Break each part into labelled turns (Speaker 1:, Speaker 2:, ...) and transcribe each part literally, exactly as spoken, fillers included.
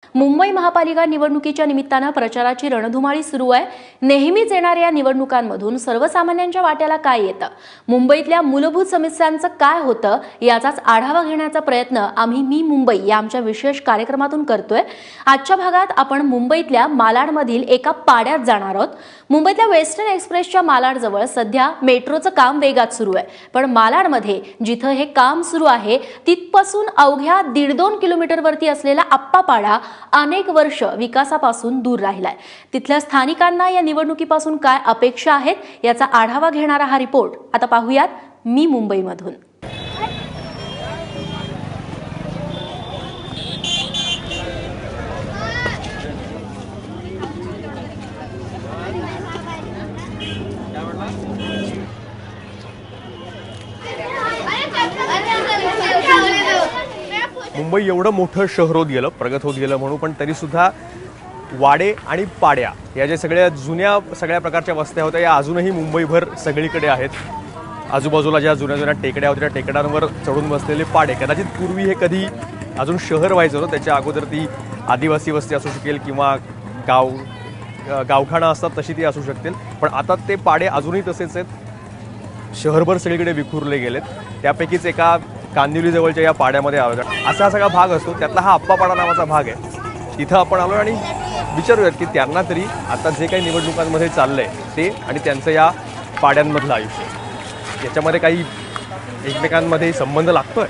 Speaker 1: मुंबई महापालिका निवडणुकीच्या निमित्तानं प्रचाराची रणधुमाळी सुरू आहे। नेहमीच येणाऱ्या या निवडणुकांमधून सर्वसामान्यांच्या वाट्याला काय येतं, मुंबईतल्या मूलभूत समस्यांचं काय होतं याचाच आढावा घेण्याचा प्रयत्न आम्ही मी मुंबई या आमच्या विशेष कार्यक्रमातून करतोय। आजच्या भागात आपण मुंबईतल्या मालाडमधील एका पाड्यात जाणार आहोत। मुंबईतल्या वेस्टर्न एक्सप्रेसच्या मालाडजवळ सध्या मेट्रोचं काम वेगात सुरू आहे, पण मालाडमध्ये जिथं हे काम सुरू आहे तिथपासून अवघ्या दीड दोन किलोमीटरवरती असलेला आप्पापाडा अनेक वर्ष विकासापासून दूर राहिलाय। तिथल्या स्थानिकांना या निवडणुकीपासून काय अपेक्षा आहेत याचा आढावा घेणारा हा रिपोर्ट आता पाहूयात मी मुंबईमधून।
Speaker 2: मुंबई एवढं मोठं शहर होत गेलं, प्रगत होत गेलं म्हणून, पण तरी सुद्धा वाडे आणि पाड्या या ज्या सगळ्या जुन्या सगळ्या प्रकारच्या वस्त्या होत्या या अजूनही मुंबईभर सगळीकडे आहेत। आजूबाजूला ज्या जुन्या जुन्या टेकड्या होत्या त्या टेकड्यांवर चढून बसलेले पाडे, कदाचित पूर्वी हे कधी अजून शहर व्हायचं होतं, त्याच्या अगोदर ती आदिवासी वस्ती असू शकेल किंवा गाव गावठाणं असतात तशी ती असू शकतील, पण आता ते पाडे अजूनही तसेच आहेत, शहरभर सगळीकडे विखुरले गेलेत। त्यापैकीच एका कांदिवली जवळच्या या पाड्यामध्ये आलो, असा हा सगळा भाग असतो, त्यातला हा आप्पापाडा नावाचा भाग आहे। तिथं आपण आलो आणि विचारूयात की त्यांना तरी आता जे काही निवडणुकांमध्ये चाललंय ते आणि त्यांचं या पाड्यांमधलं आयुष्य याच्यामध्ये काही एकमेकांमध्ये संबंध लागतोय।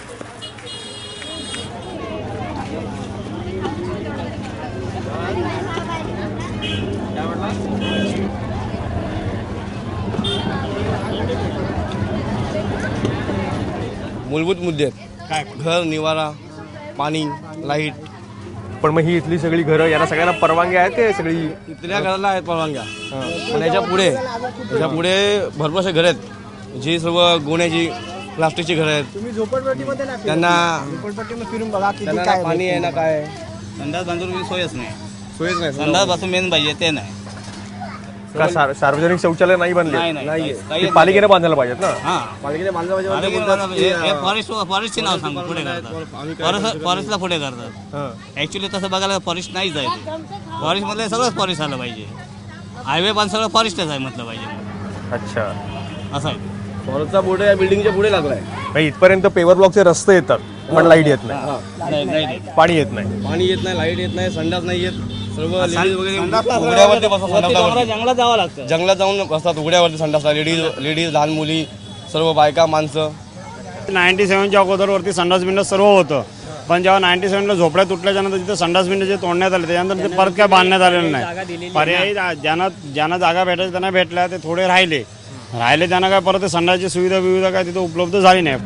Speaker 3: मूलभूत मुद्दे काय? घर, निवारा, पाणी, लाईट।
Speaker 2: पण मग ही इथली सगळी घरं यांना सगळ्यांना परवानगी आहेत का? सगळी
Speaker 3: इथल्या घराला आहेत परवानग्या, पण याच्या पुढे याच्या पुढे भरपूर असे घर आहेत जी सर्व गोण्याची प्लास्टिकची घरं आहेत।
Speaker 4: तुम्ही झोपडपट्टीमध्ये ना
Speaker 3: त्यांना
Speaker 4: झोपडपट्टीमध्ये फिरून बघा किती
Speaker 3: त्यांना
Speaker 4: काय
Speaker 3: पाणी आहे ना काय
Speaker 5: संडास बांधून सोयच नाही,
Speaker 3: सोयच नाही।
Speaker 5: संडास पासून मेन पाहिजे ते नाही।
Speaker 2: का सार- सार्वजनिक शौचालय नाही बनले?
Speaker 5: नाही नाही
Speaker 3: नाहीये.
Speaker 5: काही
Speaker 2: ती पालिकेने बांधायला पाहिजेत ना।
Speaker 5: हां
Speaker 3: पालिकेने बांधलं पाहिजे,
Speaker 5: पालिकेने
Speaker 3: बोलतात
Speaker 5: बांधलं
Speaker 3: की,
Speaker 5: पाहिजे। हे फॉरेस्ट फॉरेस्टचे नाव सांग पुढे करतात,
Speaker 3: आम्ही काय
Speaker 5: फॉरेस्ट
Speaker 3: करू
Speaker 5: फॉरेस्टला पुढे करतात।
Speaker 2: हां.
Speaker 5: ऍक्च्युली तसं बघायला फॉरेस्ट नाहीच आहे ते, फॉरेस्ट मधलं सगळंच फॉरेस्ट आलं पाहिजे, हायवे पण सगळं फॉरेस्टच आहे म्हटलं पाहिजे,
Speaker 2: अच्छा,
Speaker 5: असं आहे।
Speaker 3: फॉरेस्टचा बोर्ड या बिल्डिंगच्या पुढे लागलाय।
Speaker 2: म्हणजे इथपर्यंत पेवर ब्लॉकचे रस्ते येतात पण लाईट येत नाही,
Speaker 5: नाही नाही
Speaker 2: पाणी येत नाही।
Speaker 3: पाणी येत नाही, लाईट येत नाही, संडास नाही येत। सर्व लेडीज वगैरे
Speaker 5: संडासला
Speaker 3: उघड्यावरती बसतात,
Speaker 5: वरती
Speaker 3: संडासला
Speaker 5: डोंगरात जंगलात जावं लागतं।
Speaker 3: जंगलात जाऊन बसतात उघड्यावरती संडासला, लेडीज लेडीज लहान मुली सर्व बायका माणसं।
Speaker 6: नाईन्टी सेव्हनच्या अगोदरवरती संडास बिंडास सर्व होतं, पण जेव्हा नाईन्टी सेव्हनला झोपड्या तुटल्याच्यानंतर तिथे संडास बिंड जे तोडण्यात आले त्याच्यानंतर ते परत काय बांधण्यात आलेलं नाही। पर्यायी ज्यांना ज्यांना जागा भेटायची त्यांना भेटल्या, ते थोडे राहिले राहिले त्यांना काय परत ते संडासची सुविधा विविधा काय तिथे उपलब्ध झाली नाही।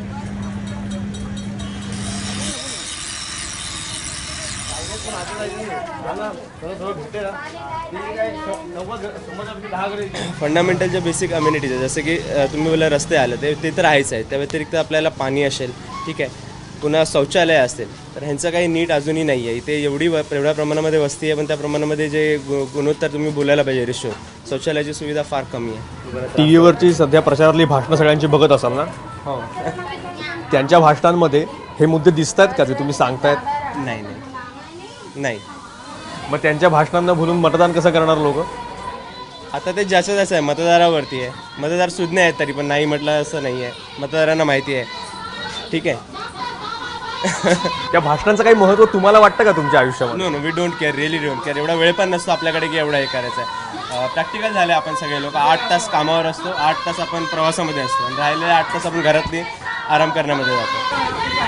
Speaker 7: फंडामेंटलच्या बेसिक अम्युनिटीज आहे, जसं की अ, तुम्ही बोला रस्ते आले ते ते तर आहेच आहे, त्या व्यतिरिक्त आपल्याला पाणी असेल, ठीक आहे, पुन्हा शौचालय असेल, तर ह्यांचं काही नीट अजूनही नाही आहे। इथे एवढी व एवढ्या प्रमाणामध्ये वस्ती आहे, पण त्या प्रमाणामध्ये जे गु गुणोत्तर तुम्ही बोलायला पाहिजे रेशो, शौचालयाची सुविधा फार कमी आहे।
Speaker 2: टी व्हीवरची सध्या प्रचारातली भाषणं सगळ्यांची बघत असाल ना,
Speaker 7: हो
Speaker 2: त्यांच्या भाषणांमध्ये हे मुद्दे दिसत आहेत का जे तुम्ही सांगतायत?
Speaker 7: नाही नाही नाही
Speaker 2: मग त्यांच्या भाषणांना भुलून मतदान कसं करणार लोक?
Speaker 7: आता ते ज्याचं त्याचं आहे, मतदारावरती आहे। मतदार सुज्ञ आहेत तरी पण नाही म्हटलं असं नाही आहे, मतदारांना माहिती आहे, ठीक आहे।
Speaker 2: त्या भाषणांचं काही महत्त्व तुम्हाला वाटतं का तुमच्या आयुष्यामध्ये?
Speaker 7: No no we don't care, really don't care. एवढा वेळ पण नसतो आपल्याकडे की एवढा हे करायचं आहे। प्रॅक्टिकल झालं आपण सगळे लोक, आठ तास कामावर असतो, आठ तास आपण प्रवासामध्ये असतो आणि राहिलेले आठ तास आपण घरातली आराम करण्यामध्ये जातो।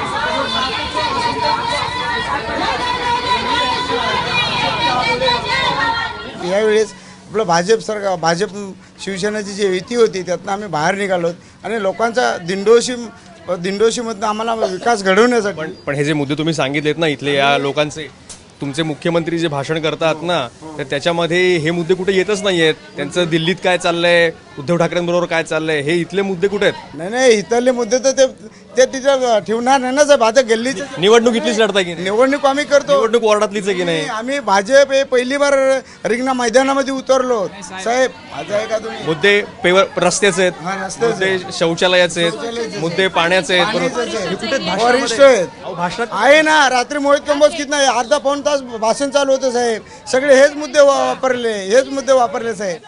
Speaker 4: यावेळेस आपलं भाजप सरकार, भाजप शिवसेनेची जी युती होती त्यातनं आम्ही बाहेर निघालो आणि लोकांचा दिंडोशी दिंडोशीमधनं आम्हाला विकास घडवण्यासाठी।
Speaker 2: पण पण हे जे मुद्दे तुम्ही सांगितलेत ना इथले या लोकांचे, तुमचे मुख्यमंत्री जे भाषण करतात ना, तर त्याच्यामध्ये हे मुद्दे कुठे येतच नाही आहेत। त्यांचं दिल्लीत काय चाललंय, उद्धव ठाकरेंबरोबर काय चाललंय, हे इथले मुद्दे कुठे आहेत?
Speaker 4: नाही नाही इथले मुद्दे तर ते ते तिथं ठेवणार नाही ना साहेब. आता गल्लीचं
Speaker 2: निवडणूक इथलीच लढताय की नाही?
Speaker 4: निवडणूक आम्ही करतो.
Speaker 2: निवडणूक वॉर्डातलीच आहे की नाही?
Speaker 4: आम्ही भाजप हे पहिली बार रिंगणा मैदानामध्ये उतरलो साहेब. माझं आहे का तुम्ही?
Speaker 2: मुद्दे पेवर रस्त्याचे
Speaker 4: हा,
Speaker 2: आहेत,
Speaker 4: रस्त्याचे.
Speaker 2: मुद्दे शौचालयाचे आहेत, मुद्दे पाण्याचे आहेत, बरोबर. हे कुठे आहेत?
Speaker 4: वरिष्ठ आहेत.
Speaker 2: अहो, भाषणात
Speaker 4: आहे ना. रात्री मोहित कंबोज किती नाही अर्धा पाऊण तास भाषण चालू होतं साहेब. सगळे हेच मुद्दे वापरले हेच मुद्दे वापरले साहेब.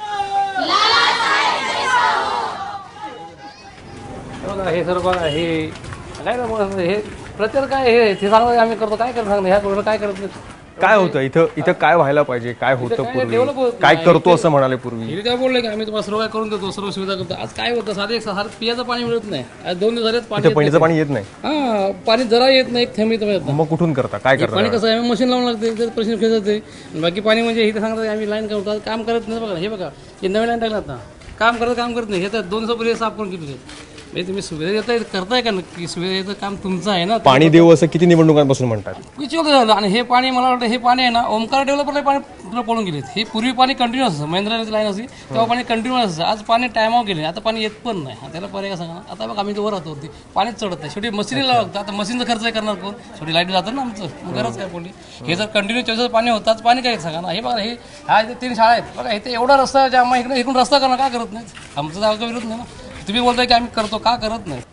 Speaker 8: बघा हे सर्व बघा हे काय ना मग हे प्रचार काय हे ते सांगतो आम्ही करतो काय करतो सांगतो ह्या गोष्टी काय करत नाही.
Speaker 2: काय होतं इथं? इथं काय व्हायला पाहिजे? काय होतं पूर्वी? काय करतो असं म्हणाले पूर्वी?
Speaker 8: हे काय बोलले की आम्ही तुम्हाला सर्व काय करून देतो सर्व सुविधा करतो. आज काय होतं साधे एक साधं पियाचं पाणी मिळत नाही. आज दोन दिवस झालेत पाणी
Speaker 2: इथं पिण्याचं पाणी येत नाही.
Speaker 8: हा पाणी जरा येत नाही एक थेंब इथं येत नाही.
Speaker 2: मग कुठून करता? काय
Speaker 8: पाणी
Speaker 2: करता?
Speaker 8: कसं आहे आम्ही मशीन लावून लागते त्यात प्रश्न खेळ जाते. बाकी पाणी म्हणजे इथे सांगतात आम्ही लाईन करतो आज काम करत नाही. बघा हे बघा हे नवीन लाईन टाकलात ना काम करत काम करत नाही. हे तर दोन दिवसापूर्वी साफ करून केली म्हणजे तुम्ही सुविधा देताय करताय का नक्की? सुविधा देतं काम तुमचं आहे ना.
Speaker 2: पाणी देऊ असं किती निवडणुकांपासून म्हणतात?
Speaker 8: किती वेळ झालं आणि हे पाणी मला वाटतं हे पाणी आहे ना ओमकार डेव्हलपरला पाणी पुढं पळून गेले. हे पूर्वी पाणी कंटिन्यू असतं महेंद्राची लाईन असते तेव्हा पाणी कंटिन्यू असतं. आज पाणी टायमावर गेले आता पाणी येत पण नाही. त्याला पर्याय का सांगा. आता बघ आम्ही वर राहतो वरती पाणीच चढत नाही. शेवटी मशीनीला लागतं. आता मशीनचा खर्च करणार कोण? शेवटी लाईट जातं ना आमचं मग गरज काय पडली. हे जर कंटिन्यू चोवीस पाणी होतं पाणी काय सांगा ना. हे बघा हे हा इथे तीन शाळा आहेत बघा इथे एवढा रस्ता ज्या इकडे इकडून रस्ता करणं का करत नाही? आमचं जागा विरोध नाही ना. तुम्ही बोलताय की आम्ही करतो का करत नाही?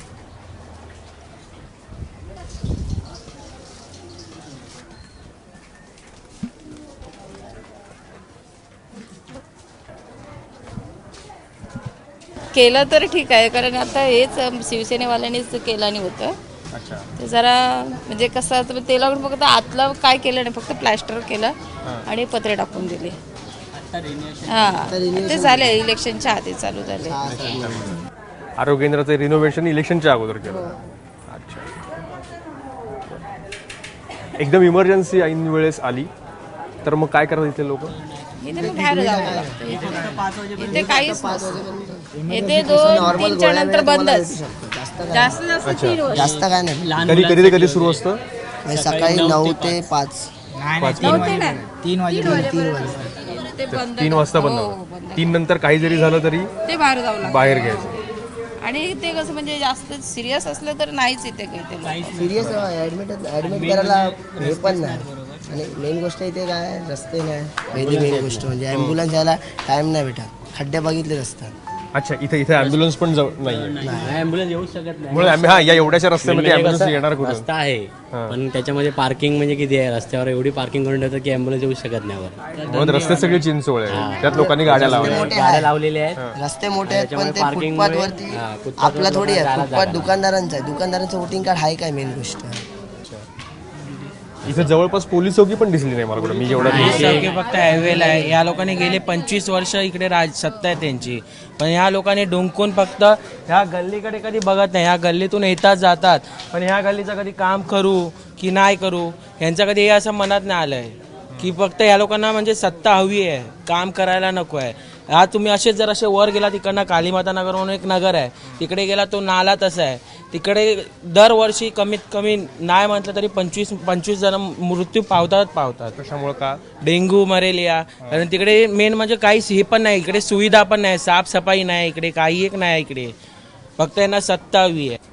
Speaker 9: केलं तर ठीक आहे कारण आता हेच शिवसेनेवाल्यांनीच केलं नाही होतं. ते जरा म्हणजे कसं तर ते लागून फक्त आतलं काय केलं नाही फक्त प्लॅस्टर केलं आणि पत्रे टाकून दिले. हां ते झाले इलेक्शनच्या आधी चालू झाले.
Speaker 2: आरोग्य केंद्राचं रिनोव्हेशन इलेक्शनच्या अगोदर केलं. अच्छा. एकदम इमर्जन्सी ऐन वेळेस आली तर मग काय करतात इथे लोक?
Speaker 9: इथे मग बाहेर जावं लागतं. इथे काहीच नसतं. इथे दोन तीनच्या नंतर बंदच. जास्त जास्त तीन वर्ष.
Speaker 10: जास्त काय नाही.
Speaker 2: कधी कधी ते कधी सुरू असतं?
Speaker 10: म्हणजे सकाळी नऊ ते पाच
Speaker 9: नव्हते ना
Speaker 10: तीन वाजे तीन वाजे
Speaker 9: ते बंद
Speaker 2: तीन वाजता बंद
Speaker 9: हो,
Speaker 2: होतं.
Speaker 9: बंद.
Speaker 2: तीन नंतर काही जरी झालं तरी
Speaker 9: ते बाहेर जावं लागतं.
Speaker 2: बाहेर घ्यायचं.
Speaker 9: आणि ते कसं म्हणजे जास्त सिरियस असलं तर नाहीच इथे काही ते
Speaker 10: सिरियस ऍडमिट ऍडमिट करायला हे पण नाही. आणि मेन गोष्ट इथे काय रस्ते नाही. पहिली मेन गोष्ट म्हणजे ॲम्ब्युलन्स यायला टाइम नाही भेटत. खड्डे बघितले रस्त्यात.
Speaker 2: अच्छा इथे इथे ॲम्ब्युलन्स पण नाही.
Speaker 11: ॲम्ब्युलन्स येऊ शकत नाही.
Speaker 2: मुळे आम्ही हा या एवढ्याशा रस्त्यामध्ये ॲम्ब्युलन्स येणार कुठून?
Speaker 11: रस्ता आहे पण त्याच्यामध्ये पार्किंग म्हणजे किती आहे रस्त्यावर एवढी पार्किंग करून ठेवतात की ॲम्ब्युलन्स येऊ शकत नाही वर.
Speaker 2: म्हणून रस्ते सगळे चिंचोळे आहेत. त्यात लोकांनी गाड्या लावल्या.
Speaker 11: गाड्या लावलेल्या आहेत.
Speaker 10: रस्ते मोठे आहेत पण ते
Speaker 11: parking
Speaker 10: फुटपाथ
Speaker 11: मुळे-
Speaker 10: वरती
Speaker 11: हा, फुटपाथ
Speaker 10: आपला थोडी
Speaker 11: वर
Speaker 10: आहे.
Speaker 11: जायला
Speaker 10: फुटपाथ
Speaker 11: जागा.
Speaker 10: दुकानदारांचं आहे. दुकानदारांचं वोटिंग कार्ड आहे काय मेन गोष्ट.
Speaker 2: इथे जवळपास पोलीस चौकी पण दिसली नाही मला कुठं. मी जेवढा
Speaker 12: चौकी फक्त हायवेला आहे. या लोकांनी गेले पंचवीस वर्ष इकडे राज सत्ता आहे त्यांची पण ह्या लोकांनी डोंकून फक्त ह्या गल्लीकडे कधी बघत नाही. ह्या गल्लीतून येतात जातात पण ह्या गल्लीचं कधी काम करू की नाही करू ह्यांचं कधी हे असं मनात नाही आलं आहे की फक्त ह्या लोकांना म्हणजे सत्ता हवी आहे काम करायला नको आहे. हा तुम्ही असेच जर असे वर गेला तिकडनं कालीमाता नगर म्हणून एक नगर आहे तिकडे गेला तो नाला तसा आहे. तिकडे दरवर्षी कमीत कमी नाही म्हटलं तरी पंचवीस पंचवीस जण मृत्यू पावतात पावतात.
Speaker 2: कशामुळे का?
Speaker 12: Dengue malaria. आणि तिकडे मेन म्हणजे काहीच हे पण नाही. इकडे सुविधा पण नाही. साफसफाई नाही इकडे काही एक नाही इकडे. फक्त यांना सत्ता हवी आहे.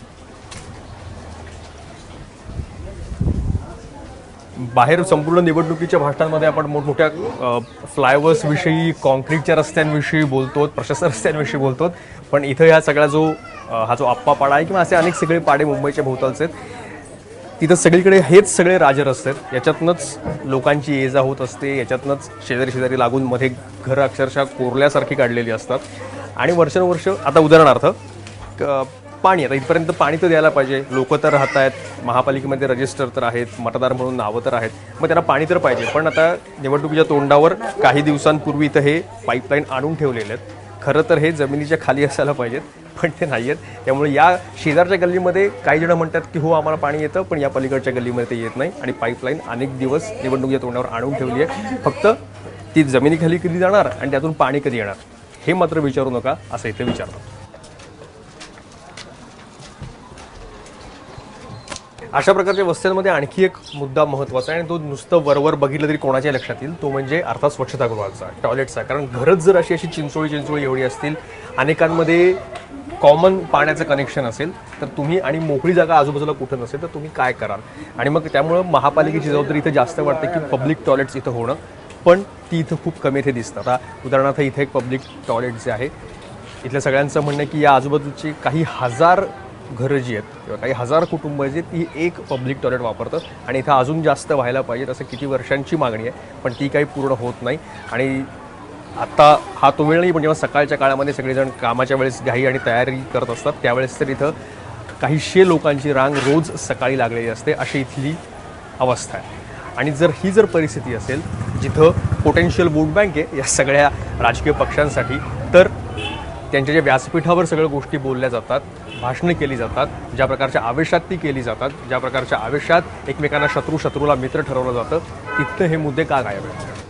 Speaker 2: बाहेर संपूर्ण निवडणुकीच्या भाषणांमध्ये आपण मोठमोठ्या फ्लायओव्हर्स विषयी कॉन्क्रीटच्या रस्त्यांविषयी बोलतो प्रशस्त रस्त्यांविषयी बोलतो पण इथं ह्या सगळा जो हा जो आप्पा पाडा आहे किंवा असे अनेक सगळे पाडे मुंबईच्या भोवतालचे आहेत तिथं सगळीकडे हेच सगळे राजरस्ते आहेत. याच्यातनंच लोकांची ये जा होत असते. याच्यातनंच शेजारी शेजारी लागून मध्ये घरं अक्षरशः कोरल्यासारखी काढलेली असतात. आणि वर्षानुवर्ष आता उदाहरणार्थ पाणी आता इथपर्यंत पाणी तर द्यायला पाहिजे. लोक तर राहत आहेत. महापालिकेमध्ये रजिस्टर तर आहेत. मतदार म्हणून नावं तर आहेत. मग त्यांना पाणी तर पाहिजे. पण आता निवडणुकीच्या तोंडावर काही दिवसांपूर्वी इथं हे पाईपलाईन आणून ठेवलेले आहेत. खरं तर हे जमिनीच्या खाली असायला पाहिजेत पण ते नाही आहेत. त्यामुळे या शेजारच्या गल्लीमध्ये काही जण म्हणतात की हो आम्हाला पाणी येतं पण या पलीकडच्या गल्लीमध्ये ते येत नाही. आणि पाईपलाईन अनेक दिवस निवडणुकीच्या तोंडावर आणून ठेवली आहे. फक्त ती जमिनीखाली कधी जाणार आणि त्यातून पाणी कधी येणार हे मात्र विचारू नका असं इथे विचारतात. अशा प्रकारच्या वस्त्यांमध्ये आणखी एक मुद्दा महत्त्वाचा आहे आणि तो नुसतं वरवर बघितलं तरी कोणाच्या लक्षात येईल तो म्हणजे अर्थात स्वच्छतागृहाचा टॉयलेटचा. कारण घरच जर अशी अशी चिंचोळी चिंचोळी एवढी असतील अनेकांमध्ये कॉमन पाण्याचं कनेक्शन असेल तर तुम्ही आणि मोकळी जागा आजूबाजूला कुठं नसेल तर तुम्ही काय कराल. आणि मग त्यामुळं महापालिकेची जबाबदारी इथं जास्त वाटते की पब्लिक टॉयलेट्स इथं होणं, पण ती इथं खूप कमी इथे दिसतात. आता उदाहरणार्थ इथे एक पब्लिक टॉयलेट जे आहे, इथल्या सगळ्यांचं म्हणणं आहे की या आजूबाजूची काही हजार घरं जी आहेत किंवा काही हजार कुटुंब जी आहेत ती एक पब्लिक टॉयलेट वापरतं आणि इथं अजून जास्त व्हायला पाहिजे असं किती वर्षांची मागणी आहे, पण ती काही पूर्ण होत नाही. आणि आत्ता हा तो वेळ नाही, पण जेव्हा सकाळच्या काळामध्ये सगळेजण कामाच्या वेळेस घाई आणि तयारी करत असतात त्यावेळेस तर इथं काहीशे लोकांची रांग रोज सकाळी लागलेली असते, अशी इथली अवस्था आहे. आणि जर ही जर परिस्थिती असेल जिथं पोटेन्शियल वोट बँक आहे या सगळ्या राजकीय पक्षांसाठी, तर त्यांच्या ज्या व्यासपीठावर सगळ्या गोष्टी बोलल्या जातात, भाषणं केली जातात, ज्या प्रकारच्या आवेशात ती केली जातात, ज्या प्रकारच्या आवेशात एकमेकांना शत्रू शत्रूला मित्र ठरवलं जातं, तिथं हे मुद्दे का गायब आहेत?